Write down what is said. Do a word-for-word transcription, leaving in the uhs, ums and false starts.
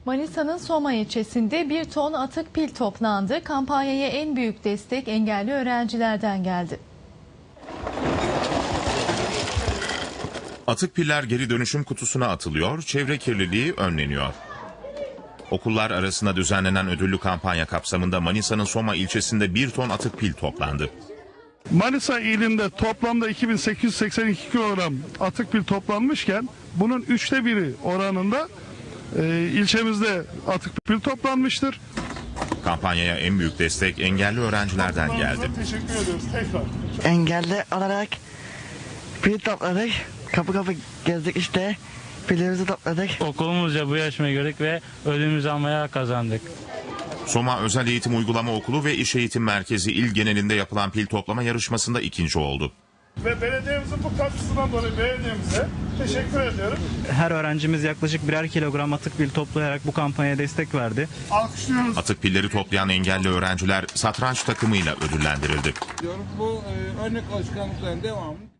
Manisa'nın Soma ilçesinde bir ton atık pil toplandı. Kampanyaya en büyük destek engelli öğrencilerden geldi. Atık piller geri dönüşüm kutusuna atılıyor, çevre kirliliği önleniyor. Okullar arasında düzenlenen ödüllü kampanya kapsamında Manisa'nın Soma ilçesinde bir ton atık pil toplandı. Manisa ilinde toplamda iki bin sekiz yüz seksen iki kilogram atık pil toplanmışken bunun üçte biri oranında e, ilçemizde atık pil toplanmıştır. Kampanyaya en büyük destek engelli öğrencilerden geldi. Teşekkür ediyoruz tekrar. Engelli olarak pil topladık. Kapı kapı gezdik işte. Pillerimizi topladık. Okulumuzca bu yarışmayı gördük ve ödülümüzü almaya kazandık. Soma Özel Eğitim Uygulama Okulu ve İş Eğitim Merkezi il genelinde yapılan pil toplama yarışmasında ikinci oldu. Ve belediyemizin bu katkısından dolayı belediyemize teşekkür ediyorum. Her öğrencimiz yaklaşık birer kilogram atık pil toplayarak bu kampanyaya destek verdi. Alkışlıyoruz. Atık pilleri toplayan engelli öğrenciler satranç takımıyla ödüllendirildi. Bu e, örnek alışkanlıkların devamı